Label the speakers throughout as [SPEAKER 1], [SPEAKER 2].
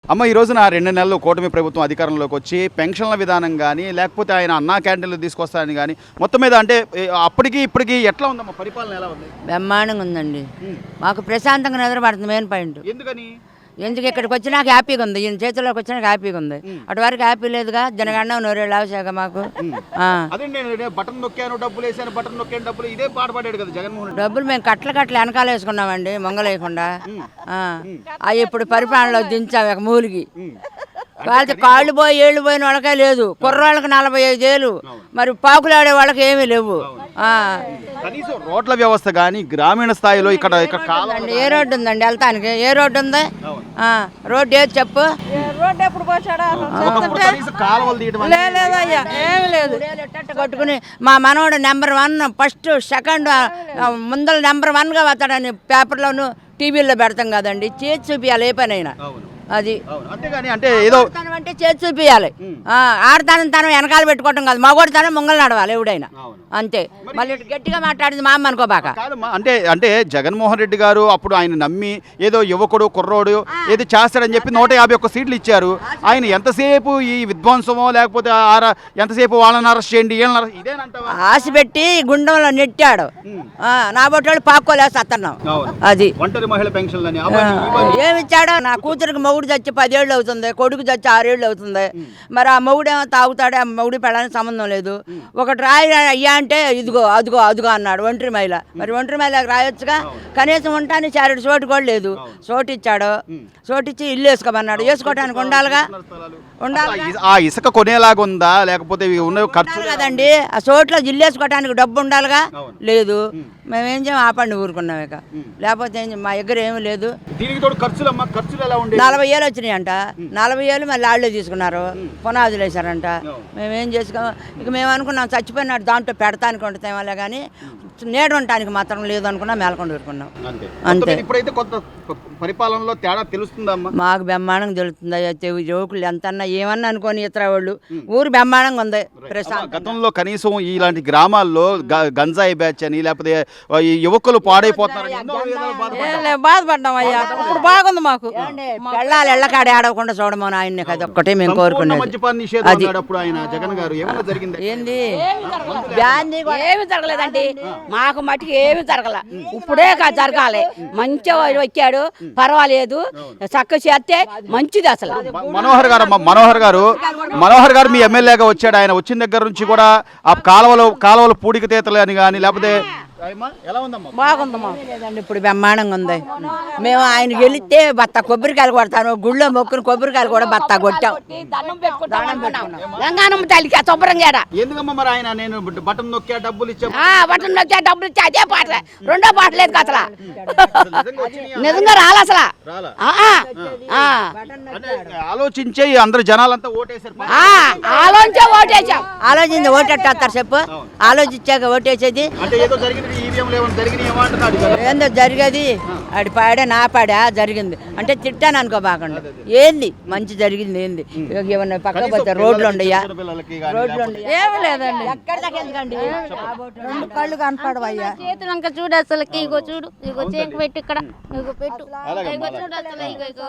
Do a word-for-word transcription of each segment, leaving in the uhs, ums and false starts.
[SPEAKER 1] అమ్మ ఈ రోజున రెండు నెలలు కూటమి ప్రభుత్వం అధికారంలోకి వచ్చి పెన్షన్ల విధానం కానీ లేకపోతే ఆయన అన్నా క్యాంటీన్లు తీసుకొస్తారని కానీ మొత్తం మీద అంటే అప్పటికి ఇప్పటికి ఎట్లా ఉందమ్మా పరిపాలన ఎలా ఉంది?
[SPEAKER 2] బ్రహ్మాండంగా ఉందండి. మాకు ప్రశాంతంగా నిద్రపడుతుంది మెయిన్ పాయింట్.
[SPEAKER 1] ఎందుకని?
[SPEAKER 2] ఎందుకు ఇక్కడికి వచ్చినాక హ్యాపీగా ఉంది, ఈయన చేతుల్లోకి వచ్చినాక హ్యాపీగా ఉంది. అటు వరకు హ్యాపీ లేదుగా, జనగండ నూరేళ్ళు ఆవశాక మాకు.
[SPEAKER 1] అదే నేను బటన్ నొక్కాను డబ్బులు వేసాను, బటన్ నొక్కాను డబ్బులు, ఇదే పాట పాడాడు కదా జగన్మోహన్.
[SPEAKER 2] డబ్బులు మేము కట్ల కట్ల వెనకాల వేసుకున్నామండి, మొంగలేయకుండా. అవి ఇప్పుడు పరిపాలనలో దించాము ఒక మూలికి. వాళ్ళకి కాళ్ళు పోయి ఏళ్ళు పోయిన వాళ్ళకే లేదు, కుర్రాళ్ళకి నలభై ఐదు ఏళ్ళు, మరి పాకులాడే వాళ్ళకి ఏమీ లేవు.
[SPEAKER 1] కనీసం రోడ్ల వ్యవస్థ కానీ గ్రామీణ స్థాయిలో ఇక్కడ
[SPEAKER 2] ఏ రోడ్డు ఉందండి వెళ్తానికి? ఏ రోడ్డు ఉంది? రోడ్డు ఏది చెప్పు?
[SPEAKER 3] రోడ్డు ఎప్పుడు పోచాడా?
[SPEAKER 2] లేదయ్యా, ఏమి లేదు. కొట్టుకుని మా మనవడు నెంబర్ వన్, ఫస్ట్ సెకండ్ ముందర నెంబర్ వన్గా వస్తాడని పేపర్లోను టీవీలో పెడతాం కదండి. చేతి చూపించాలి ఏ పని అయినా. అది
[SPEAKER 1] అంతేగాని అంటే ఏదో
[SPEAKER 2] అంటే చేతి చూపించాలి. ఆడతానం తనం వెనకాల పెట్టుకోవటం కాదు, మగోడు తనం ముంగలు నడవాలి ఎవడైనా. అంతే. మళ్ళీ గట్టిగా మాట్లాడింది మా అమ్మ అనుకోబాక.
[SPEAKER 1] అంటే అంటే జగన్మోహన్ రెడ్డి గారు అప్పుడు ఆయన నమ్మి ఏదో యువకుడు కుర్రోడు ఏదో చేస్తాడని చెప్పి నూట యాభై ఒక్క సీట్లు ఇచ్చారు. ఆయన ఎంతసేపు ఈ విధ్వంసమో లేకపోతే ఎంతసేపు వాళ్ళని అరెస్ట్ చేయండి ఇదేనంటావా?
[SPEAKER 2] ఆశ పెట్టి గుండంలో నెట్టాడు. నా బొట్టాడు పాక్కోలేసి అత్తన్నాం. అది
[SPEAKER 1] ఒంటరి మహిళ పెన్షన్
[SPEAKER 2] ఏమిచ్చాడో? నా కూతురికి మొగుడు చచ్చి పదేళ్ళు అవుతుంది, కొడుకు చచ్చి ఆరేళ్ళు అవుతుంది. మరి ఆ మొగుడేమో తాగుతాడే, ఆ మొగుడి పెళ్ళడానికి సంబంధం లేదు. ఒకటి రాయి అయ్యా అంటే ఇదిగో అదిగో అదిగో అన్నాడు ఒంటరి మహిళ. మరి ఒంటరి మహిళకి రాయొచ్చుగా, కనీసం ఉంటాను చారుడు చోటు కూడా లేదు. చోటు ఇచ్చాడు, చోటిచ్చి ఇల్లు వేసుకోమన్నాడు. వేసుకోవడానికి ఉండాలిగా, ఉండాలి.
[SPEAKER 1] ఆ ఇసుక కొనేలాగా ఉందా లేకపోతే ఖర్చు
[SPEAKER 2] కదండి? ఆ చోట్ల ఇల్లు వేసుకోవడానికి డబ్బు ఉండాలిగా, లేదు. మేమేం చేయం ఆపండి ఊరుకున్నాం. ఇక లేకపోతే మా దగ్గర ఏమీ లేదు. నలభై ఏళ్ళు వచ్చినాయి అంట, నలభై ఏళ్ళు మళ్ళీ ఆళ్ళే తీసుకున్నారు, పునాదులు వేసారంట. మేమేం చేసుకో, ఇక మేము అనుకున్నాం చచ్చిపోయినాడు దాంట్లో పెడతానికి వండుతామలే కానీ నేడు ఉండటానికి మాత్రం లేదు అనుకున్నా మేలకొండ ఊరుకున్నాం. అంతే.
[SPEAKER 1] ఇప్పుడైతే కొత్త పరిపాలనలో తేడా తెలుస్తుందమ్మా?
[SPEAKER 2] మాకు బ్రహ్మాండంగా తెలుస్తుంది. యువకులు ఎంతన్నా ఏమన్నా అనుకోని ఇతర వాళ్ళు ఊరు బ్రహ్మాండంగా ఉంది.
[SPEAKER 1] గతంలో కనీసం ఇలాంటి గ్రామాల్లో గంజాయి బ్యాచ్ అని లేకపోతే యువకులు పాడైపోతున్నారు,
[SPEAKER 3] బాధపడ్డాం అయ్యా. ఇప్పుడు బాగుంది మాకు.
[SPEAKER 2] పెళ్ళాలి ఎళ్ళకాడే ఆడకుండా చూడమని ఆయన కదా ఒక్కటే మేము కోరుకున్నాం. ఏంది
[SPEAKER 3] ఏమి జరగలేదండి మాకు, మటుకు ఏమి జరగల. ఇప్పుడే జరగాలి. మంచిగా వచ్చాడు, పర్వాలేదు, చక్క చేస్తే మంచిది. అసలు
[SPEAKER 1] మనోహర్ గారు మనోహర్ గారు మనోహర్ గారు మీ ఎమ్మెల్యేగా వచ్చాడు. ఆయన వచ్చిన దగ్గర నుంచి కూడా ఆ కాలువలు కాలువలు పూడిక తీతలు అని కానీ లేకపోతే
[SPEAKER 3] బాగుందమ్మా.
[SPEAKER 2] ఇప్పుడు బ్రహ్మాండంగా ఉంది. మేము ఆయన గెలిస్తే బత్త కొబ్బరికాయలు కొడతాను, గుళ్ళో మొక్కుని కొబ్బరికాయలు కూడా బత్త కొట్టాం.
[SPEAKER 3] గంగానమ్మ తల్లికి శుభ్రంగా
[SPEAKER 1] బటన్ నొక్కా డబ్బులు ఇచ్చా
[SPEAKER 3] బటన్ నొక్కా డబ్బులు ఇచ్చా అదే పాట, రెండో పాట లేదు అసలు. నిజంగా రాలే అసలు.
[SPEAKER 1] ఆలోచించే అందరు జనాలంతా ఓటేసారు.
[SPEAKER 3] ఆలోచించే ఓటేసాం.
[SPEAKER 2] ఆలోచించి ఓటెట్టేస్తారు చెప్పు? ఆలోచించాక ఓటేసేది ఏందో జరిగేది. ఆడి పాడే నా పాడా జరిగింది అంటే తిట్టాను అనుకోబాకండి. ఏంది మంచి జరిగింది ఏంది? ఏమన్నా పక్క పోతే రోడ్లు ఉండయా? రోడ్లు
[SPEAKER 3] ఏమి లేదండి.
[SPEAKER 2] ఎక్కడ దాకా ఎందుకండి?
[SPEAKER 3] రెండు కళ్ళు కనపడవయ్యా.
[SPEAKER 4] చేతులంక చూడు అసలుకి. ఇగో చూడు, ఇగో చేకు పెట్టు, ఇక్కడ ఇగో పెట్టు, ఇగో చూడు అసలు. ఇగో ఇగో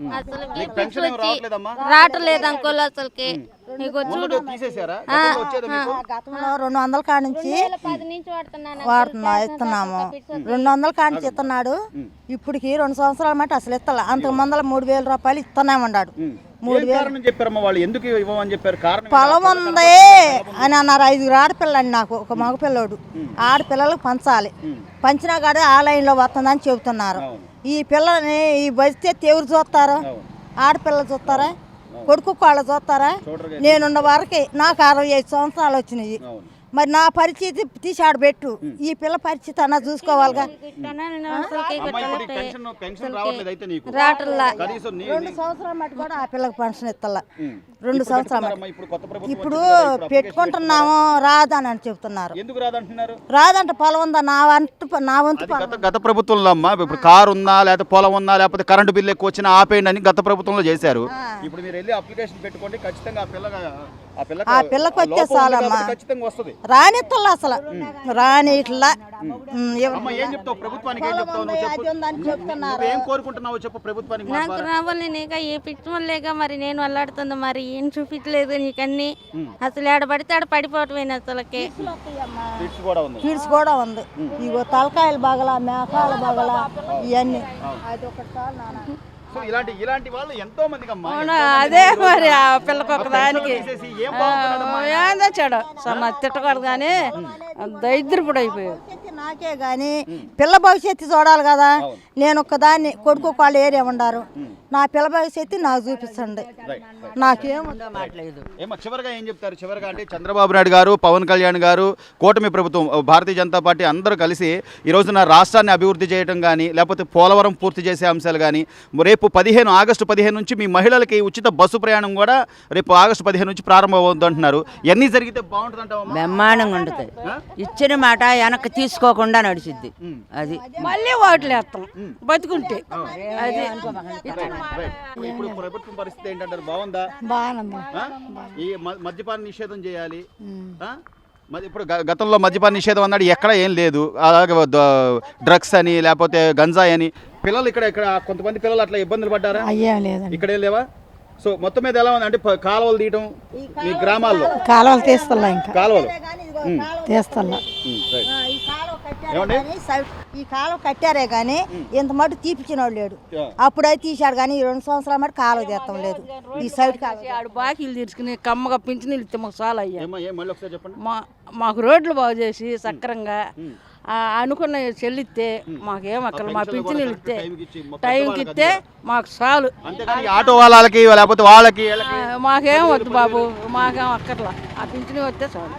[SPEAKER 4] అసలు రావట్లేదు అంకోలు అసలుకి. ఇగో చూడు.
[SPEAKER 3] గతంలో రెండు వందల కాడ నుంచి వాడుతున్నా ఇస్తున్నాము. రెండు వందల కాడ నుంచి ఇస్తున్నాడు. ఇప్పటికి రెండు సంవత్సరాల మాట అసలు ఇస్తలే. అంతకు ముందర మూడు వేల రూపాయలు ఇస్తున్నామన్నాడు. మూడు వేలు పొలం ఉంది అని అన్నారు. ఐదుగురు ఆడపిల్లండి నాకు, ఒక మగపిల్లోడు. ఆడపిల్లలకు పంచాలి, పంచినా కాడ ఆ లైన్లో వస్తుందని చెబుతున్నారు. ఈ పిల్లని ఈ బస్తే ఎవరు చూస్తారు? ఆడపిల్లలు చూస్తారా? కొడుకు వాళ్ళు చూస్తారా? నేనున్న వరకే నాకు అరవై ఐదు సంవత్సరాలు వచ్చినాయి. మరి నా పరిస్థితి తీసి ఆడ పెట్టు. ఈ పిల్ల పరిస్థితి అన్నా చూసుకోవాలిగా. రెండు సంవత్సరాల మటు కూడా ఆ పిల్లకి పెన్షన్ ఇస్తలా. రెండు సంవత్సరాలు ఇప్పుడు పెట్టుకుంటున్నాము రాదని అని చెప్తున్నారు. రాదంట. పొలం ఉందా నా వంతు నా వంతు
[SPEAKER 1] గత ప్రభుత్వంలో అమ్మా ఇప్పుడు కారు ఉందా లేకపోతే పొలం ఉందా లేకపోతే కరెంటు బిల్లు ఎక్కువ వచ్చినా ఆపేయండి అని గత ప్రభుత్వంలో చేశారు. ఇప్పుడు మీరు వెళ్ళి అప్లికేషన్ పెట్టుకోండి, ఖచ్చితంగా ఆ పిల్ల ఆ పిల్లకి
[SPEAKER 3] ఆ పిల్లకి
[SPEAKER 1] ఆ
[SPEAKER 3] వచ్చే
[SPEAKER 1] లోపం ఉంది
[SPEAKER 3] చాలమ్మా
[SPEAKER 1] కాబట్టి ఖచ్చితంగా వస్తుంది.
[SPEAKER 3] రానిత్తల్లా అసలు రాని ఇట్లా ఉమ్, ఎవ-
[SPEAKER 1] అమ్మ ఏం చెప్తావు ప్రభుత్వానికి, ఏం చెప్తావు నువ్వు చెప్పు.
[SPEAKER 3] అది ఉందని చెప్తున్నారు.
[SPEAKER 1] నువ్వేం కోరుకుంటున్నావు చెప్పు ప్రభుత్వానికి మా
[SPEAKER 4] నాకు
[SPEAKER 1] ద్వారా.
[SPEAKER 4] రావాలి నీక ఏ పిచ్చమలేక మరి నేను అల్లాడుతుంది మరి ఏం చూపించలేదు నీకన్నీ అసలు ఏడ పడితే ఆడ పడిపోవటమేనా అసలుకి
[SPEAKER 1] ఫిట్స్ కూడా ఉంది.
[SPEAKER 3] కిడ్స్ కూడా ఉంది ఇగో తలకాయలు బగల మేకాల బగల ఇవన్నీ అది ఒకటి చాలు నాన్న.
[SPEAKER 1] సో ఇలాంటి ఇలాంటి వాళ్ళు ఎంతో మందికి అమ్మా
[SPEAKER 2] అదే మరి ఆ పిల్లకి ఒక దానికి
[SPEAKER 1] తీసేసి ఏం బాగుంటున్నాడమ్మా?
[SPEAKER 2] ఏందో చెడు సన్న తిట్టకూడదు కానీ దరిద్రపుడు అయిపోయావు.
[SPEAKER 3] భవిష్యత్తు నాకే గాని పిల్ల భవిష్యత్తు చూడాలి కదా. నేను ఒక్కదాన్ని కొడుకు వాళ్ళు ఏరియా ఉండారు. నా పిల్ల భవిష్యత్తు నాకు చూపించండి. నాకేం
[SPEAKER 2] మాట్లేదు
[SPEAKER 1] ఏమో చివరిగా ఏం చెప్తారు? చివరిగా అంటే చంద్రబాబు నాయుడు గారు, పవన్ కళ్యాణ్ గారు, కూటమి ప్రభుత్వం, భారతీయ జనతా పార్టీ అందరూ కలిసి ఈ రోజున రాష్ట్రాన్ని అభివృద్ధి చేయడం కానీ లేకపోతే పోలవరం పూర్తి చేసే అంశాలు కానీ రేపు పదిహేను ఆగస్టు పదిహేను నుంచి మీ మహిళలకి ఉచిత బస్సు ప్రయాణం కూడా రేపు ఆగస్టు పదిహేను నుంచి ప్రారంభమవుతుంది అంటున్నారు. ఎన్ని జరిగితే బాగుంటుంది అంటావా?
[SPEAKER 2] బ్రహ్మాండంగా ఉంటుంది. ఇచ్చిన మాట వెనక్కి తీసుకోకుండా నడిచిద్ది. అది మళ్ళీ ఓట్లు వేస్తాం బతుకుంటే. అది
[SPEAKER 1] ఇప్పుడు ప్రభుత్వం పరిస్థితి ఏంటంటారు? బాగుందా?
[SPEAKER 3] బాగుంది.
[SPEAKER 1] ఆ? ఈ మ- మద్యపాన నిషేధం చేయాలి. ఆ? మరి ఇప్పుడు గ- గతంలో మద్యపాన నిషేధం అన్నాడు, ఎక్కడ ఏం లేదు. అలాగే ద- డ్రగ్స్ అని లేకపోతే గంజాయి అని పిల్లలు ఇక్కడ ఇక్కడ కొంతమంది పిల్లలు అట్లా ఇబ్బందులు పడ్డారా?
[SPEAKER 3] అయ్యేం లేదండి.
[SPEAKER 1] ఇక్కడే లేవా? సో మొత్తం మీద ఎలా ఉంది అంటే ప- కాలువలు తీయటం మీ గ్రామాల్లో
[SPEAKER 3] కాలువలు తీస్తల్లా ఇంకా
[SPEAKER 1] కాలువలు
[SPEAKER 3] తీస్తల్లా
[SPEAKER 1] ఉమ్, రైట్.
[SPEAKER 3] ఈ కాలువ కట్టారే గానీ సై- ఈ కాలువ కట్టారే కానీ ఇంత మటు తీపిచ్చిన వాడు లేడు. అప్పుడైతే తీశాడు కానీ ఈ రెండు సంవత్సరాల మటు కాలువ తీస్తాం లేదు. ఈ సైడ్ కాలువ
[SPEAKER 2] ఆడు బాకీలు తీర్చుకుని కమ్మగా పింఛన్ ఇస్తే మాకు చాలా అయ్యా.
[SPEAKER 1] ఏమ్మా, ఏం మళ్ళీ ఒకసారి చెప్పండి.
[SPEAKER 2] మా మాకు రోడ్లు బాగు చేసి సక్రంగా ఆ అనుకున్న చెల్లిస్తే మాకేం అక్కడ మా పింఛన్ ఇస్తే
[SPEAKER 1] టైంకి ఇచ్చి మొత్తం
[SPEAKER 2] టైంకి ఇస్తే మాకు చాలు.
[SPEAKER 1] అంతేగాని ఈ ఆటో వాళ్ళకి లేకపోతే వాళ్ళకి వీళ్ళకి
[SPEAKER 2] మాకేం వద్దు బాబు, మాకేం అక్కర్లా. ఆ పింఛన్ వస్తే చాలు.